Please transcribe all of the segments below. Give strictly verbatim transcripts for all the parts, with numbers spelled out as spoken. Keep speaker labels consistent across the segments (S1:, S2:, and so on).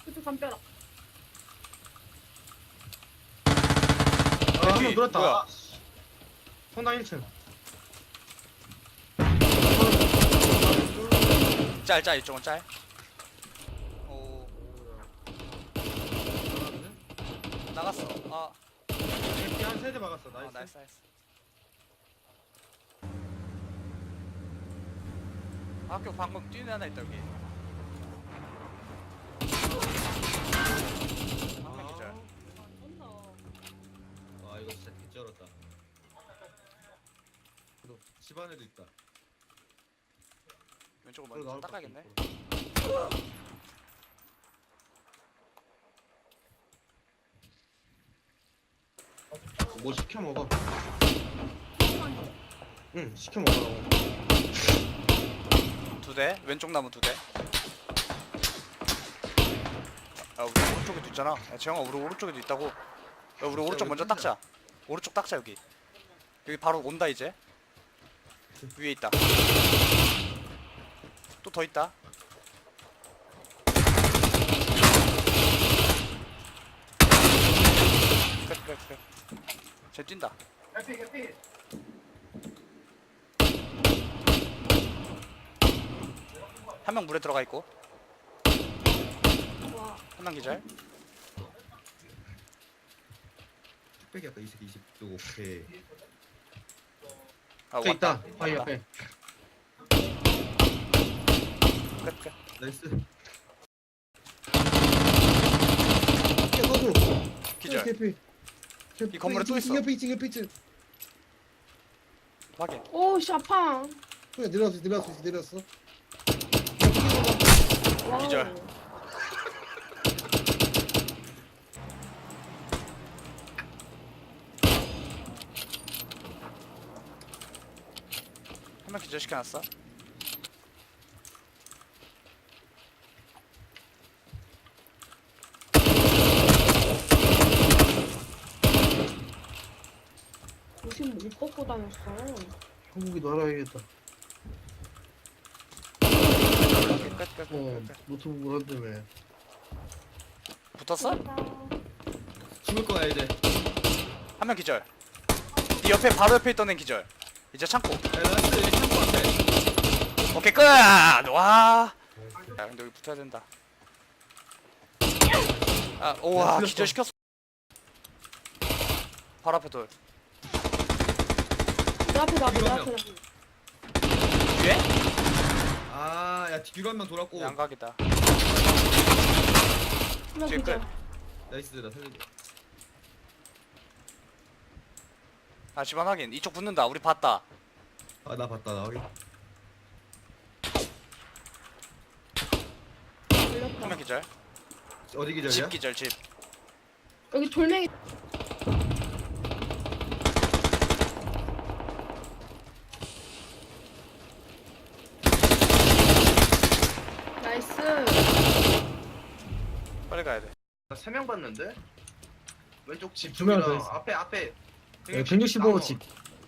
S1: 그쪽 담벼락.
S2: 아, 한 명
S3: 여기,
S2: 들었다.
S3: 뭐야?
S2: 아, 성당 일 층.
S3: 짤, 짤, 이쪽은 짤. 오, 나갔어. 아,
S2: 한 세대 막았어.
S3: 어,
S2: 나이스.
S3: 나이스, 나이스. 학교 방금 뛰는 애 하나 있다, 여기. 한명 기절.
S1: 언더.
S2: 와, 이거 진짜 개쩔었다. 그래도 집 안에도 있다.
S3: 왼쪽을
S2: 그래도
S3: 먼저
S2: 나올
S3: 닦아야겠네.
S2: 것 같아. 뭐 시켜 먹어. 응, 시켜 먹으라고.
S3: 두 대, 왼쪽 나무 두 대. 야, 우리 오른쪽에도 있잖아. 야, 재영아, 우리 오른쪽에도 있다고. 야, 우리 오른쪽 먼저 닦자. 오른쪽 닦자, 여기. 여기 바로 온다, 이제. 위에 있다. 또 더 있다. 끝, 끝, 끝. 쟤 뛴다. 한 명 물에 들어가 있고,
S1: 와.
S3: 한 명 기절.
S2: 뚝배기 아까 이 새끼 이십 도 오케이.
S3: 아,
S2: 저
S3: 왔다.
S2: 있다. 바위
S3: 왔다.
S2: 앞에.
S3: 끝, 끝.
S2: 나이스. 야, 너도.
S3: 기절.
S2: 개피.
S3: 이 건물에 또 있어.
S2: 옆에 있지, 옆에 있지.
S3: 확인.
S1: 오, 샤팡.
S2: 그래, 내려왔어, 내려왔어, 내려왔어.
S1: 와우.
S3: 기절. 한 명 기절 시켜놨어.
S1: 무슨 못 벗고 다녔어.
S2: 한국이도 알아야겠다.
S3: 끝, 끝, 끝,
S2: 어,
S3: 끝, 끝.
S2: 노트북을 한다며.
S3: 붙었어?
S2: 죽을 거야, 이제.
S3: 한 명 기절. 네 옆에 바로 옆에 있던 애 기절. 이제 창고.
S2: 야, 라스트 여기 창고 앞에.
S3: 오케이 끝. 와. 야 근데 여기 붙어야 된다. 아 오와
S2: 틀렸어.
S3: 기절 시켰어. 바로 앞에 돌.
S1: 내 앞에 나, 내
S2: 이거
S1: 앞에 나.
S3: 뒤에?
S2: 아, 야, 뒤로 한 명 돌았고.
S3: 양각이다.
S1: 하나
S3: 뒤에
S1: 기절.
S3: 끝.
S2: 나이스, 나 살려줘.
S3: 아 집안 확인. 이쪽 붙는다. 우리 봤다.
S2: 아, 나 봤다, 나 확인.
S1: 걸렸다.
S3: 한 명 기절.
S2: 어디 기절이야?
S3: 집 기절 집.
S1: 여기 돌멩이. 나이스.
S3: 빨리 가야 돼.
S4: 세 명 봤는데? 왼쪽 집
S2: 두명
S4: 쪽이랑
S2: 더 있어.
S4: 앞에 앞에
S2: 백육십오 집.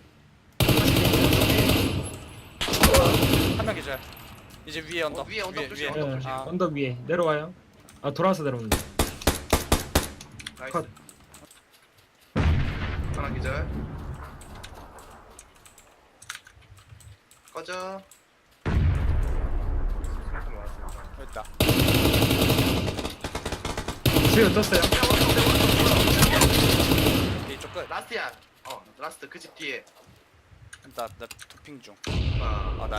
S3: 한 명 기절. 이제 위에 언덕.
S4: 어, 위에 언덕
S3: 위에,
S4: 조심,
S3: 위에.
S4: 언덕
S5: 예,
S4: 조심.
S3: 아.
S5: 언덕 위에 내려와요. 아 돌아와서 내려오는 거.
S4: 나이스
S2: 컷.
S4: 하나 기절 꺼져 생각 많았습니다.
S3: 여기 있다.
S5: 지금 떴어요.
S3: 이쪽 끝.
S4: 라스트야 어 라스트 그 집 뒤에
S3: 나나 도핑 중.
S4: 아
S3: 아 나.